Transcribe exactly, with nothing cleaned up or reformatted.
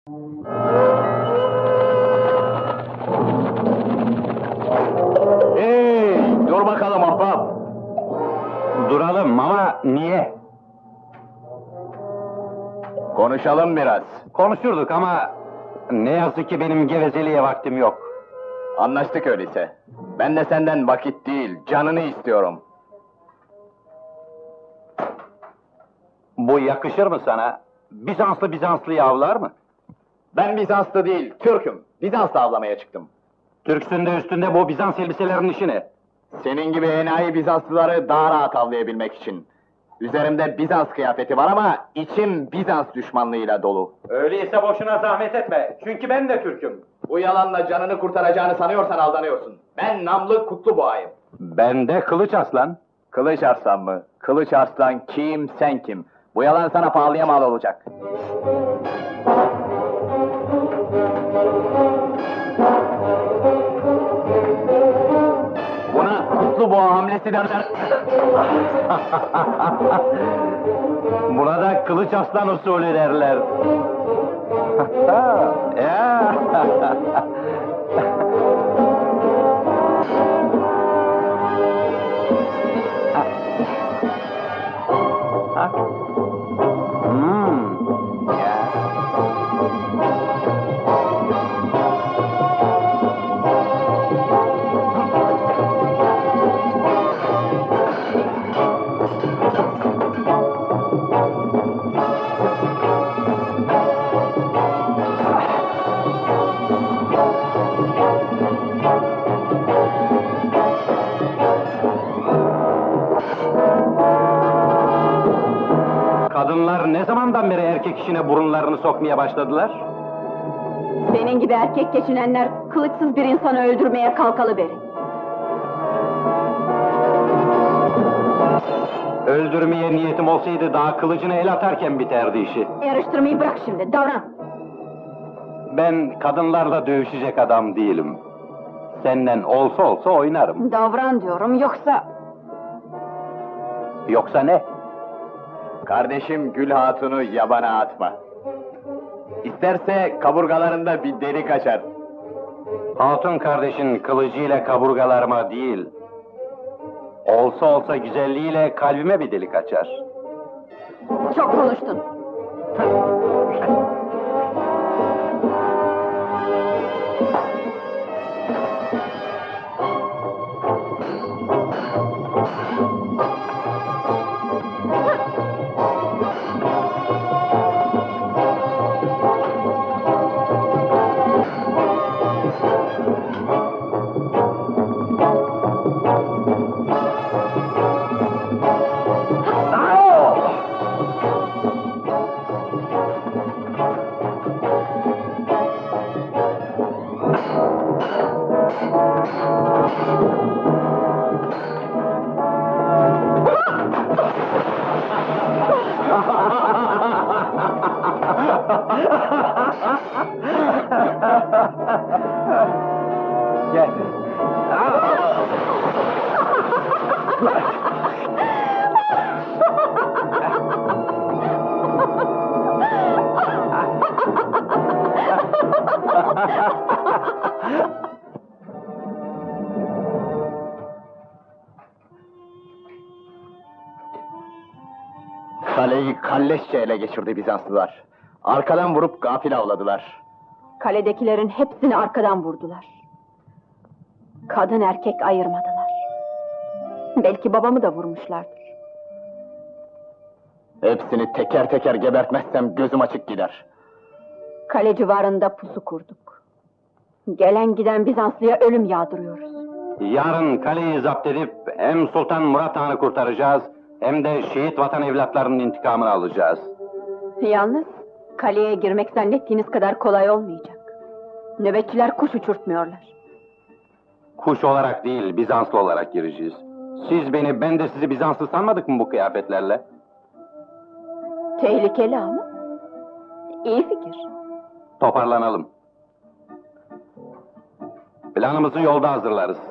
Hey, dur bakalım ahbap! Duralım ama niye? Konuşalım biraz. Konuşurduk ama ne yazık ki benim gevezeliğe vaktim yok. Anlaştık öyleyse. Ben de senden vakit değil, canını istiyorum. Bu yakışır mı sana? Bizanslı Bizanslı'yı avlar mı? Ben Bizanslı değil, Türk'üm. Bizans'ta avlamaya çıktım. Türksün de üstünde bu Bizans elbiselerinin işi ne? Senin gibi enayi Bizanslıları daha rahat avlayabilmek için. Üzerimde Bizans kıyafeti var ama içim Bizans düşmanlığıyla dolu. Öyleyse boşuna zahmet etme, çünkü ben de Türk'üm. Bu yalanla canını kurtaracağını sanıyorsan aldanıyorsun. Ben namlı Kutluboğa'yım. Ben de Kılıç Aslan. Kılıç Arslan mı? Kılıç Arslan kim, sen kim? Bu yalan sana pahalıya mal olacak. Buna Kutluboğa hamlesi derler. Buna da Kılıç Aslan usulü derler. Ya. Hmm. Ya. Kadınlar ne zamandan beri erkek işine burunlarını sokmaya başladılar? Senin gibi erkek geçinenler kılıçsız bir insanı öldürmeye kalkalı beri. Öldürmeye niyetim olsaydı daha kılıcını el atarken biterdi işi. Yarıştırmayı bırak şimdi, davran! Ben kadınlarla dövüşecek adam değilim. Senden olsa olsa oynarım. Davran diyorum, yoksa... Yoksa ne? Kardeşim Gül Hatun'u yabana atma. İsterse kaburgalarında bir delik açar. Hatun kardeşin kılıcıyla kaburgalarıma değil, olsa olsa güzelliğiyle kalbime bir delik açar. Çok konuştun. Gel. Kaleyi kalleşçe ele geçirdi Bizanslılar. Arkadan vurup gafil avladılar. Kaledekilerin hepsini arkadan vurdular. Kadın erkek ayırmadılar. Belki babamı da vurmuşlardır. Hepsini teker teker gebertmezsem gözüm açık gider. Kale civarında pusu kurduk. Gelen giden Bizanslı'ya ölüm yağdırıyoruz. Yarın kaleyi zapt edip hem Sultan Murat Han'ı kurtaracağız, hem de şehit vatan evlatlarının intikamını alacağız. Yalnız kaleye girmek zannettiğiniz kadar kolay olmayacak. Nöbetçiler kuş uçurtmuyorlar. Kuş olarak değil, Bizanslı olarak gireceğiz. Siz beni, ben de sizi Bizanslı sanmadık mı bu kıyafetlerle? Tehlikeli ama iyi fikir. Toparlanalım. Planımızı yolda hazırlarız.